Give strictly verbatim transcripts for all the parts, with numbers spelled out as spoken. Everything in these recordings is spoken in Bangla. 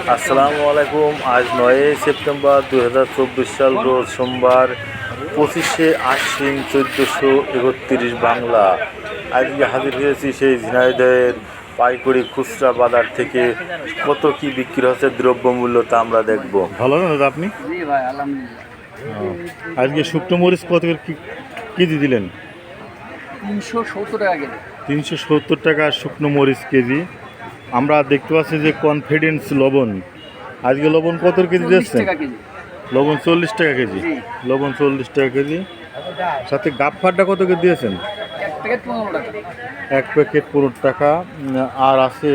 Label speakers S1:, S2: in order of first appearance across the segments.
S1: আসসালামু আলাইকুম। আজ নয়ই সেপ্টেম্বর দুই হাজার চব্বিশ সাল, রোজ সোমবার, পঁচিশে আশ্বিন চোদ্দোশো একত্রিশ বাংলা। আজকে হাজির হয়েছি সেই ঝিনাইদহের পাইকারি খুচরা বাজার থেকে। কত কি বিক্রি হচ্ছে দ্রব্যমূল্য তা আমরা দেখব।
S2: ভালো না দাদা আপনি?
S3: জি ভাই, আলহামদুলিল্লাহ।
S2: আজকে শুকনো মরিচ কত করে কি কেজি দিলেন?
S3: তিনশো সত্তর টাকা কেজি।
S2: তিনশো সত্তর টাকা শুকনো মরিচ কেজি। আমরা দেখতে পাচ্ছি যে কনফিডেন্স লবণ, আজকে লবণ কত কেজি দিচ্ছেন? লবণ চল্লিশ টাকা কেজি। লবণ চল্লিশ টাকা কেজি। সাথে গাফফারটা কত কেজি দিয়েছেন? এক প্যাকেট পনেরো টাকা। আর আছে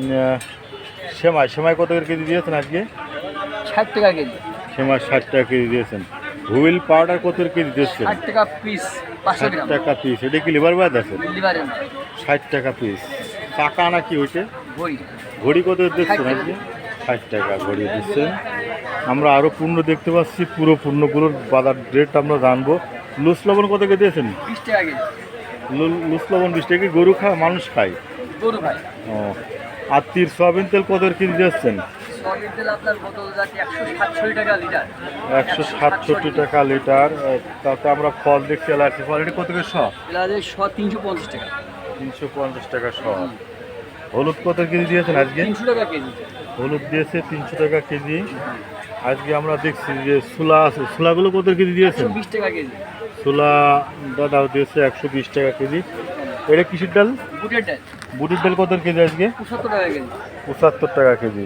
S2: সেমাই, সেমাই কত করে কেজি দিয়েছেন আজকে?
S3: ষাট টাকা কেজি।
S2: সেমাই ষাট টাকা কেজি দিয়েছেন। হুইল পাউডার কত করে কেজি দিয়েছেন?
S3: ষাট টাকা পিস।
S2: ষাট টাকা পিস। এটা কি লিভার বাদ আছে?
S3: লিভারের না।
S2: ষাট টাকা পিস। টাকা না কি ওইটা?
S3: ঘড়ি।
S2: ঘড়ি কত দিচ্ছেন আজকে? ষাট টাকা ঘড়ি দিচ্ছেন। আমরা আরও পূর্ণ দেখতে পাচ্ছি, পুরো পূর্ণগুলোর বাজার রেট আমরা জানবো। লুস লবণ কত করে দিয়েছেন?
S3: বিশ টাকা কেজি।
S2: লুস লবণ বিশ টাকা। গরু খায় মানুষ খায়?
S3: গরু ভাই।
S2: ও। আর তীর সয়াবিন তেল কত করে কেজি দিচ্ছেন?
S3: সয়াবিন তেল আপনার বোতল যাচ্ছে একশো সাতষট্টি টাকা লিটার।
S2: একশো সাতষট্টি টাকা লিটার। তাতে আমরা ফল দেখছি এলাচি ফল, এটা কত করে শ?
S3: এলাচের শ তিনশো পঞ্চাশ টাকা।
S2: তিনশো পঞ্চাশ টাকা শ। হলুদ কত কেজি দিয়েছেন আজকে?
S3: তিনশো টাকা কেজি।
S2: হলুদ দিয়েছে তিনশো টাকা কেজি। আজকে আমরা দেখছি যে ছোলা আছে, ছোলাগুলো কত কেজি দিয়েছেন?
S3: বিশ টাকা কেজি।
S2: ছোলা দাদাও দিয়েছে একশো বিশ টাকা কেজি। এটা কিসের ডাল?
S3: বুটের ডাল।
S2: বুটের ডাল কত কেজি আজকে?
S3: পঁচাত্তর টাকা কেজি।
S2: পঁচাত্তর টাকা কেজি।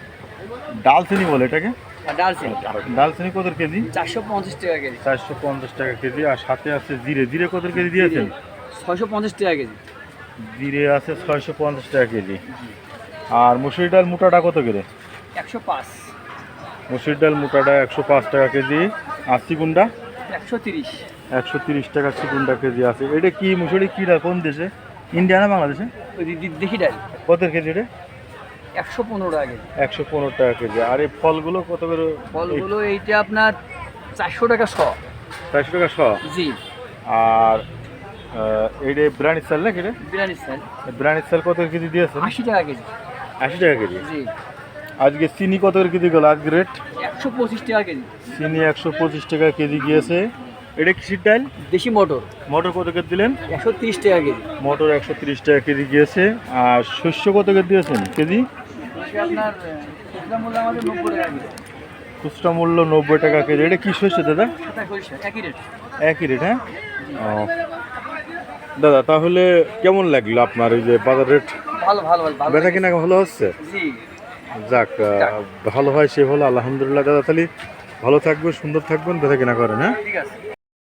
S2: ডালচিনি বলে এটাকে?
S3: আর ডালচিনি।
S2: ডালচিনি কত কেজি?
S3: চারশো পঞ্চাশ টাকা কেজি।
S2: চারশো পঞ্চাশ টাকা কেজি। আর সাথে আছে জিরে, জিরে কত কেজি দিয়েছেন?
S3: ছয়শো পঞ্চাশ টাকা কেজি।
S2: জিরে আছে ছয়শো পঞ্চাশ টাকা কেজি। আর মুসুরি ডাল মোটাটা কত করে?
S3: একশো পাঁচ।
S2: মুসুরি ডাল মোটাটা একশো পাঁচ টাকা কেজি। আর চিকুনটা?
S3: একশো তিরিশ।
S2: একশো তিরিশ টাকা চিকুনটা কেজি আছে। এটা কি মুসুরি, কী ডাল, কোন দেশে? ইন্ডিয়া না বাংলাদেশে?
S3: দেখি ডাল
S2: কত কেজি এটা?
S3: একশো পনেরো টাকা কেজি।
S2: একশো পনেরো টাকা কেজি। আর এই ফলগুলো কত করে?
S3: ফলগুলো এইটা আপনার চারশো টাকা শ।
S2: চারশো টাকা শ।
S3: জি।
S2: আর এইটা বিরিয়ানির চাল না? কেটে
S3: বিরিয়ানির চাল।
S2: বিরিয়ানির চাল কত কেজি দিয়েছে?
S3: আশি টাকা কেজি।
S2: আশি টাকা কেজি।
S3: জি।
S2: আজকে চিনি কত করে কেজি গেল আজকে রেট?
S3: একশো পঁচিশ টাকা কেজি।
S2: চিনি একশো পঁচিশ টাকা কেজি গিয়েছে। এটা কিসের ডাল?
S3: দেশি মটর।
S2: মটর কত করে দিলেন?
S3: একশো তিরিশ টাকা কেজি।
S2: মটর একশো তিরিশ টাকা কেজি গিয়েছে। আর শস্য কত করে দিয়েছেন কেজি?
S3: আপনার খুচরা মূল্য আমাদের নব্বই টাকা কেজি।
S2: খুচরা মূল্য নব্বই টাকা কেজি। এটা কী শস্য দাদা?
S3: একই রেট।
S2: একই রেট, হ্যাঁ। ও দাদা, তাহলে কেমন লাগলো আপনার এই যে বাজার রেট?
S3: ভালো ভালো ভালো।
S2: বেচা কিনা ভালো হচ্ছে?
S3: জি।
S2: যাক, ভালো হয় সে ভালো, আলহামদুলিল্লাহ। দাদা তাহলে ভালো থাকবেন, সুন্দর থাকবেন, বেচা কিনা করেন, হ্যাঁ।
S3: ঠিক আছে।